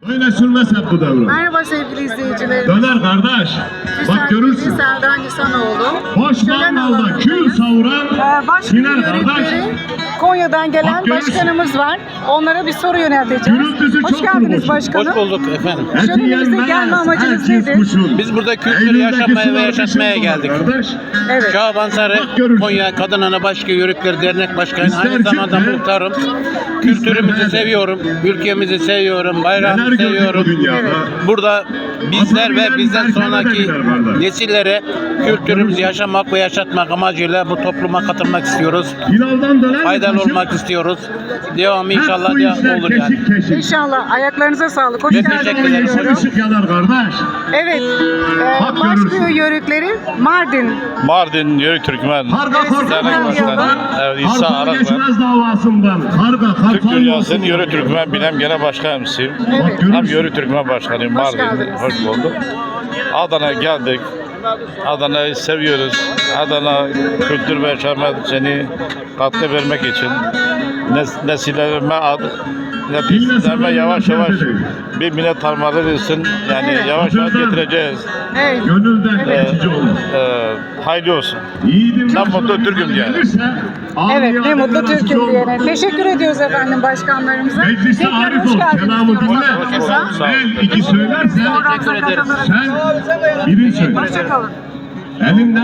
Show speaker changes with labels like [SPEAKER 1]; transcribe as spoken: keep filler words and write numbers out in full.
[SPEAKER 1] Öyle sürmez hep bu devran.
[SPEAKER 2] Merhaba sevgili izleyicilerimiz.
[SPEAKER 1] Döner kardeş. Bak görürsün.
[SPEAKER 2] Serdar Nisanoğlu.
[SPEAKER 1] Boş
[SPEAKER 2] Şölen
[SPEAKER 1] mangalda
[SPEAKER 2] alanındayız.
[SPEAKER 1] kül savuran
[SPEAKER 2] Ee, Başka
[SPEAKER 1] Siner kardeş.
[SPEAKER 2] yörükleri Konya'dan gelen
[SPEAKER 1] Bak görürsün.
[SPEAKER 2] başkanımız var. Onlara bir soru yönelteceğiz.
[SPEAKER 1] Gürültüsü
[SPEAKER 2] Hoş
[SPEAKER 1] çok
[SPEAKER 2] geldiniz
[SPEAKER 1] boş.
[SPEAKER 2] başkanım.
[SPEAKER 3] Hoş bulduk efendim.
[SPEAKER 1] Eti
[SPEAKER 2] Şölenimize
[SPEAKER 1] yenmez,
[SPEAKER 2] gelme amacınız
[SPEAKER 1] herkes
[SPEAKER 2] nedir?
[SPEAKER 1] kuşun.
[SPEAKER 3] Biz burada kültürü
[SPEAKER 1] Eylül'deki
[SPEAKER 3] yaşatmaya ve
[SPEAKER 1] sular
[SPEAKER 3] yaşatmaya
[SPEAKER 1] düşün
[SPEAKER 3] geldik.
[SPEAKER 1] kardeş.
[SPEAKER 2] Evet.
[SPEAKER 3] Şaban Sarı,
[SPEAKER 1] Bak görürsün.
[SPEAKER 3] Konya Kadın Ana Başka Yörükleri Dernek Başkanı,
[SPEAKER 1] İster
[SPEAKER 3] aynı zamanda
[SPEAKER 1] cümle,
[SPEAKER 3] muhtarım.
[SPEAKER 1] ister
[SPEAKER 3] Kültürümüzü
[SPEAKER 1] nerede?
[SPEAKER 3] seviyorum, ülkemizi seviyorum,
[SPEAKER 1] Neler
[SPEAKER 3] bayrağımızı
[SPEAKER 1] gördük bu
[SPEAKER 3] seviyorum.
[SPEAKER 1] dünyada.
[SPEAKER 2] Evet.
[SPEAKER 3] Burada bizler
[SPEAKER 1] Atabilen
[SPEAKER 3] ve bizden
[SPEAKER 1] herkese
[SPEAKER 3] sonraki
[SPEAKER 1] de bilir kardeş.
[SPEAKER 3] nesillere kültürümüzü yaşamak ve yaşatmak amacıyla bu topluma katılmak istiyoruz.
[SPEAKER 1] Hilal'dan dönen
[SPEAKER 3] Faydalı
[SPEAKER 1] taşıp,
[SPEAKER 3] olmak istiyoruz. Devamı
[SPEAKER 1] hep
[SPEAKER 3] inşallah
[SPEAKER 1] bu
[SPEAKER 3] devam
[SPEAKER 1] işler
[SPEAKER 3] olur yani.
[SPEAKER 1] keşik keşik.
[SPEAKER 2] İnşallah. Ayaklarınıza sağlık. Hoş
[SPEAKER 3] Ben
[SPEAKER 2] geldiniz.
[SPEAKER 3] teşekkür ederim.
[SPEAKER 2] diyorum.
[SPEAKER 1] Işık ışık yanar kardeş.
[SPEAKER 2] Evet. Ee,
[SPEAKER 1] Bak
[SPEAKER 2] Başka
[SPEAKER 1] görürsün.
[SPEAKER 2] yörükleri Mardin.
[SPEAKER 4] Mardin Yörük Türkmen
[SPEAKER 1] Karga
[SPEAKER 2] Evet,
[SPEAKER 1] korkmaz
[SPEAKER 2] sizden
[SPEAKER 1] başından.
[SPEAKER 2] diyorum.
[SPEAKER 4] Evet, İsa
[SPEAKER 1] Kartal
[SPEAKER 4] Arak ben.
[SPEAKER 1] geçmez davasından. Karga
[SPEAKER 4] Türk
[SPEAKER 1] kartal
[SPEAKER 4] Dünyası'nın
[SPEAKER 1] yolsundan.
[SPEAKER 4] Yörük Türkmen Bilem Genel Başkanımsıyım.
[SPEAKER 2] Evet.
[SPEAKER 4] Hem Yörük Türkmen Başkanıyım
[SPEAKER 2] Hoş
[SPEAKER 4] Mardin.
[SPEAKER 2] geldiniz.
[SPEAKER 4] Hoş bulduk. Adana'ya geldik. Adana'yı seviyoruz. Adana kültür ve yaşamını katkı vermek için nes nesillerime ad nesillerime yavaş yavaş bir millet harmanlarısın. Yani
[SPEAKER 2] Evet.
[SPEAKER 4] yavaş yavaş getireceğiz.
[SPEAKER 2] Evet.
[SPEAKER 1] Gönülden
[SPEAKER 2] Evet.
[SPEAKER 1] geçici olur.
[SPEAKER 4] Ee, hayırlı olsun.
[SPEAKER 1] Yiğidim
[SPEAKER 4] Ben mutlu Türk'üm diye.
[SPEAKER 2] Evet, ne mutlu Türk'üm diyene. Teşekkür ediyoruz efendim başkanlarımıza.
[SPEAKER 1] Mecliste
[SPEAKER 2] Tekrar
[SPEAKER 1] arif
[SPEAKER 2] hoş
[SPEAKER 1] ol,
[SPEAKER 2] geldiniz
[SPEAKER 1] kelamı
[SPEAKER 2] diyoruz
[SPEAKER 1] dinle.
[SPEAKER 2] aramıza.
[SPEAKER 4] Sağ olun.
[SPEAKER 1] Ben iki söylersen
[SPEAKER 2] Programımıza katılırız.
[SPEAKER 1] sen birin söyle.
[SPEAKER 2] Hoşçakalın.
[SPEAKER 1] Elinden